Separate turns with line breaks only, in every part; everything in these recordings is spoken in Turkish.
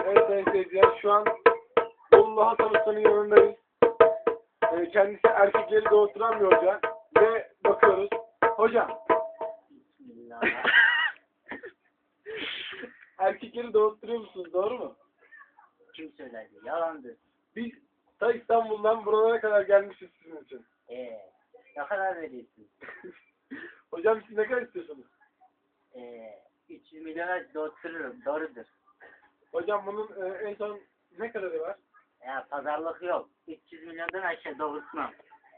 Evet sayın seyirciler, şu an Bolu Hasan Usta'nın yanındayız. Kendisi erkekleri doğurturan bir hoca ve bakıyoruz. Hocam.
Bismillah.
Erkekleri doğurtturuyor musunuz, doğru mu?
Kim söyledi? Yalandır.
Biz ta İstanbul'dan buralara kadar gelmişiz sizin için.
Ne kadar veriyorsun?
Hocam siz ne kadar istiyorsunuz?
300 milyona doğurtururum. Doğrudur.
Hocam bunun en son ne kadarı var?
Ya pazarlık yok. 300 milyondan aşağı doğurtmam.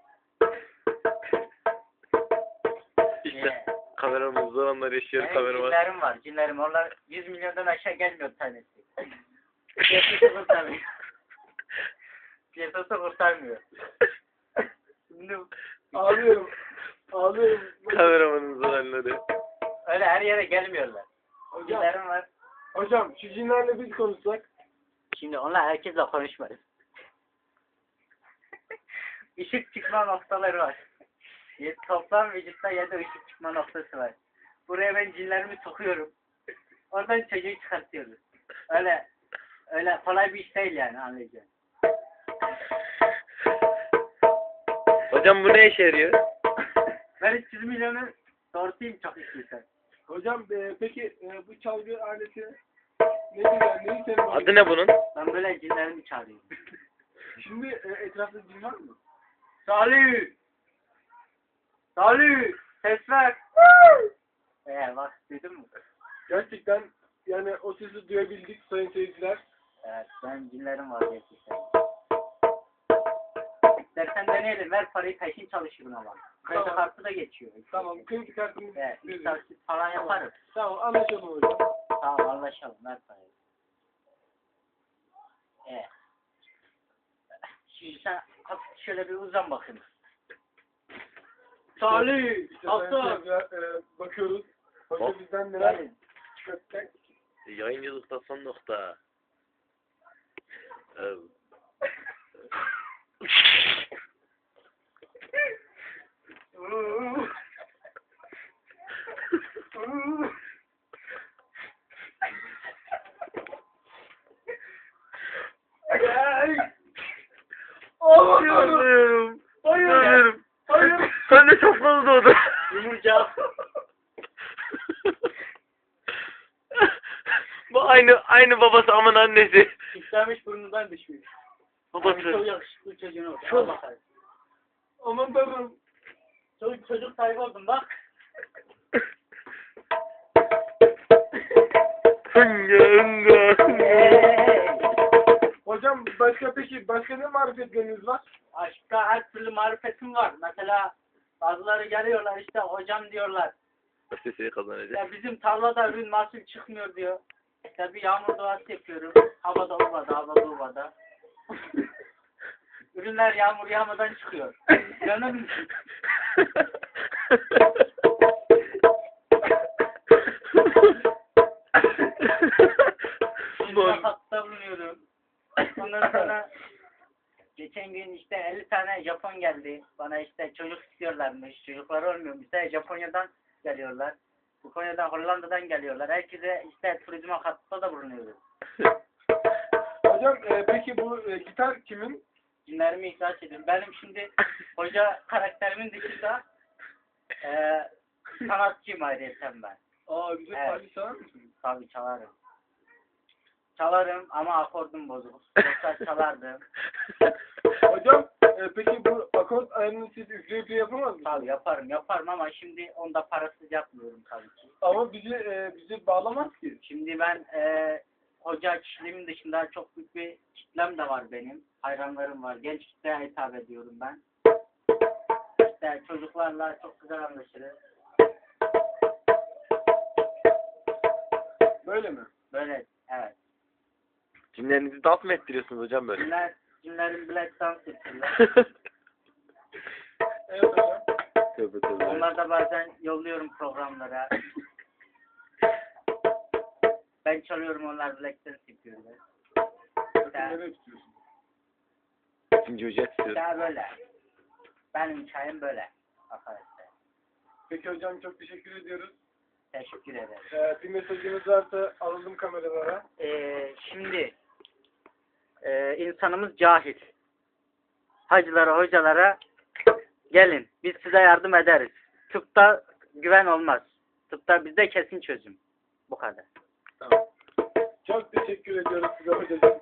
İşte kameramız zor anlar yaşıyor kameraman.
Cinlerim var. Cinlerim. Onlar 100 milyondan aşağı gelmiyor tanesi. Piyasası kurtarmıyor. Piyasası kurtarmıyor. Şimdi
Ağlıyorum. Ağlıyorum.
Kameramanın zor anları.
öyle her yere gelmiyorlar.
Hocam,
Cinlerim var.
hocam şu cinlerle biz konuşsak.
Şimdi onlar herkesle konuşmayız. Işık çıkma noktaları var. Toplam vücutta 7 ışık çıkma noktası var. Buraya ben cinlerimi sokuyorum. Oradan çocuğu çıkartıyoruz. Öyle kolay bir iş değil yani, anlayacağım.
Hocam bu ne işe yarıyor?
Ben 300 milyonu doğrultayım çok istiyorsan.
Hocam peki bu çalgı aleti nedir yani? Neyi senin
Adı ne bunun?
Ben böyle cinlerimi çağırıyorum.
Şimdi etrafta cin var mı?
Salih! Salih! Ses ver! Bak duydun mu?
Gerçekten yani o sesi duyabildik sayın seyirciler.
Evet, ben cinlerim var gerçekten. İstersen deneyelim, ver parayı peşin çalışırım ama. Kredi
Tamam.
kartı da geçiyor.
Tamam, kredi kartımız
Evet, bir
verin.
taksit falan yaparız.
Tamam, anlaşalım hocam.
Tamam, anlaşalım, ver parayı. Evet. Şimdi sen hafif şöyle bir uzan bakayım. Salih!
İşte sayın
Hasan!
seyirciler, bakıyoruz. Hoca
Hop.
bizden neler
Gelin.
çıkartacak?
Yayıncılıkta son nokta.
Ağlıyorum.
Hayır.
Hayır.
Sen de çok fazla doğdun.
Yumurcak.
Bu aynı babası aman annesi.
İstemiş burnundan düşmüş. Çok
Babası.
yakışıklı çocuğun oldu.
Çok.
Al bakalım.
Aman tanrım.
Çocuk sahibi oldum bak.
Hınga.
Hocam başka ne marifetleriniz var?
Aşkta her türlü marifetim var. Mesela bazıları geliyorlar işte hocam diyorlar.
Sesini kazanacak.
Ya bizim tarlada ürün mahsul çıkmıyor diyor. İşte bir yağmur duası yapıyorum. Havada ovada. Ürünler yağmur yağmadan çıkıyor. İnanır mısın? Şimdi hatta bulunuyorum. Ondan sonra geçen gün işte 50 tane Japon geldi. Bana işte çocuk istiyorlarmış. Çocukları olmuyormuş. İşte Japonya'dan geliyorlar. Bu Konya'dan, Hollanda'dan geliyorlar. Herkese işte turizme katkıda da bulunuyoruz.
Hocam peki bu gitar kimin?
Cinlerimi ihraç ediyorum. Benim şimdi hoca karakterimin dışında sanatçıyım ayrıyeten ben.
Aa bize
Evet.
parça çalar mısınız?
Tabii çalarım. Çalarım ama akordum bozuk. Yoksa çalardım.
Hocam peki bu akort ayarını siz üfleyip yapamaz mısınız?
Tabii yaparım ama şimdi onda parasız yapmıyorum tabii ki.
Ama bizi bağlamaz ki.
Şimdi ben hoca kişiliğimin dışında çok büyük bir kitlem de var benim. Hayranlarım var. Genç kitleye hitap ediyorum ben. İşte çocuklarla çok güzel anlaşırız.
Böyle mi?
Böyle evet.
Cinlerinizi dans mı ettiriyorsunuz hocam böyle?
Cinlerin bilek dans ettiler.
Evet hocam.
Tövbe.
Onlar da bazen yolluyorum programlara. Ben çalıyorum, onlar bilek dans yapıyorlar.
Nereye tutuyorsun?
İkinci hoca istiyorum.
İşte böyle. Benim hikayem böyle arkadaşlar.
Peki hocam çok teşekkür ediyoruz.
Teşekkür ederim.
Bir mesajınız varsa alalım kameralara.
Şimdi insanımız cahil. Hacılara, hocalara gelin. Biz size yardım ederiz. Tıpta güven olmaz. Tıpta bizde kesin çözüm. Bu kadar.
Tamam. Çok teşekkür ediyoruz size hocacığım.